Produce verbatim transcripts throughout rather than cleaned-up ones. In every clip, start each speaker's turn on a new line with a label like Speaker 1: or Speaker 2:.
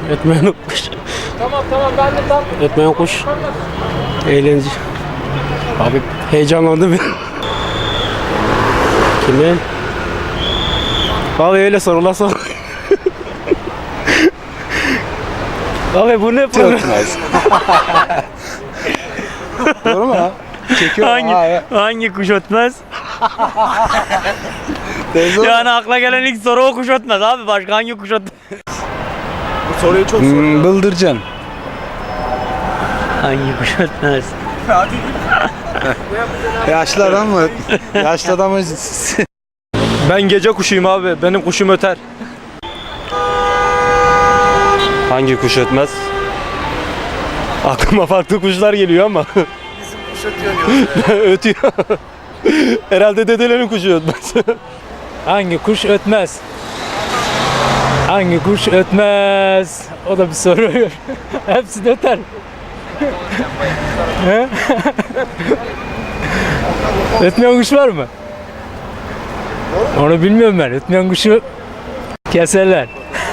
Speaker 1: Ötmeyen kuş.
Speaker 2: Tamam tamam ben de tam.
Speaker 1: Ötmeyen kuş. Eğlence. Abi heyecanlandı bir. Kimin? Abi öyle sorular sor. Abi bu ne program?
Speaker 3: Doğru mu ya? Çekiyor.
Speaker 2: Hangi,
Speaker 3: Aa, ya.
Speaker 2: hangi kuş ötmez?
Speaker 3: Teyze o-
Speaker 2: Yani akla gelen ilk soru o kuş ötmez abi. Başka hangi kuş ötmez?
Speaker 3: Bu soruyu çok soruyor. Hmm, bıldırcın.
Speaker 2: Hangi kuş ötmez?
Speaker 3: Yaşlı adam mı? Yaşlı adam mı?
Speaker 1: Ben gece kuşuyum abi. Benim kuşum öter. Hangi kuş ötmez? Aklıma farklı kuşlar geliyor ama.
Speaker 3: Bizim kuş ötüyor.
Speaker 1: Ötüyor. Herhalde dedelerin kuşu ötmez.
Speaker 2: Hangi kuş ötmez? Hangi kuş ötmez? O da bir soru. Hepsi de öter. He? Ötmeyen kuş var mı? Onu bilmiyorum ben. Ötmeyen kuşu keserler.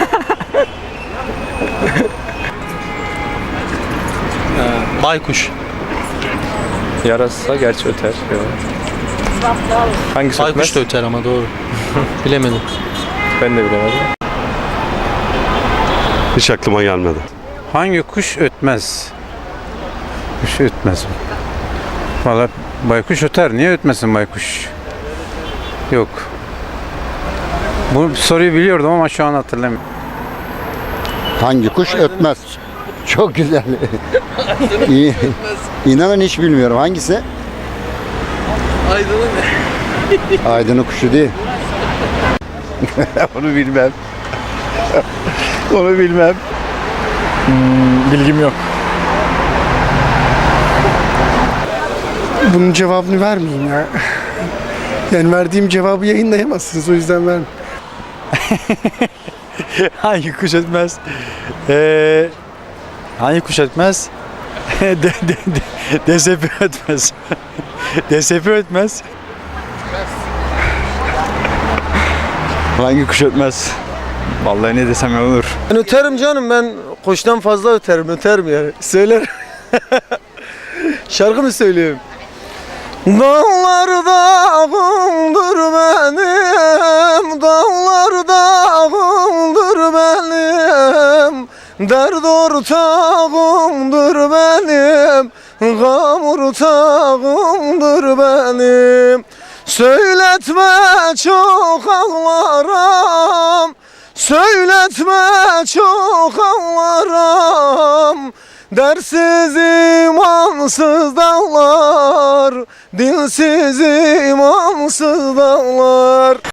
Speaker 1: Baykuş.
Speaker 4: Yarasa gerçi öter. Hangisi
Speaker 1: Baykuş
Speaker 4: ötmez?
Speaker 1: da öter ama doğru. Bilemedim.
Speaker 4: Ben de bilemedim.
Speaker 5: Hiç aklıma gelmedi.
Speaker 6: Hangi kuş ötmez? Kuş ötmez. Valla baykuş öter. Niye ötmesin baykuş? Yok. Bu soruyu biliyordum ama şu an hatırlamıyorum.
Speaker 7: Hangi kuş ötmez? Çok güzel. İyi. İnanın hiç bilmiyorum. Hangisi? Aydın'ın Aydın'ın kuşu değil.
Speaker 3: Onu bilmem. Onu bilmem.
Speaker 1: Bilgim yok.
Speaker 8: Bunun cevabını vermeyeyim ya. Yani verdiğim cevabı yayınlayamazsınız, o yüzden vermeyeyim.
Speaker 1: Hangi kuş ötmez? Ee, hangi kuş ötmez? de, de, de, desepi ötmez. Desepi ötmez.
Speaker 3: Hangi kuş ötmez? Vallahi ne desem yalan olur.
Speaker 8: Ben öterim canım, ben kuştan fazla öterim, öterim yani. Söylerim. Şarkı mı söyleyeyim? Dağlar dağımdır benim, dağlar dağımdır benim, dert ortağımdır benim, gam ortağımdır benim. Söyletme çok ağlarım, söyletme çok ağlarım. Dersiz imansız dağlar, dilsiz imansız dağlar.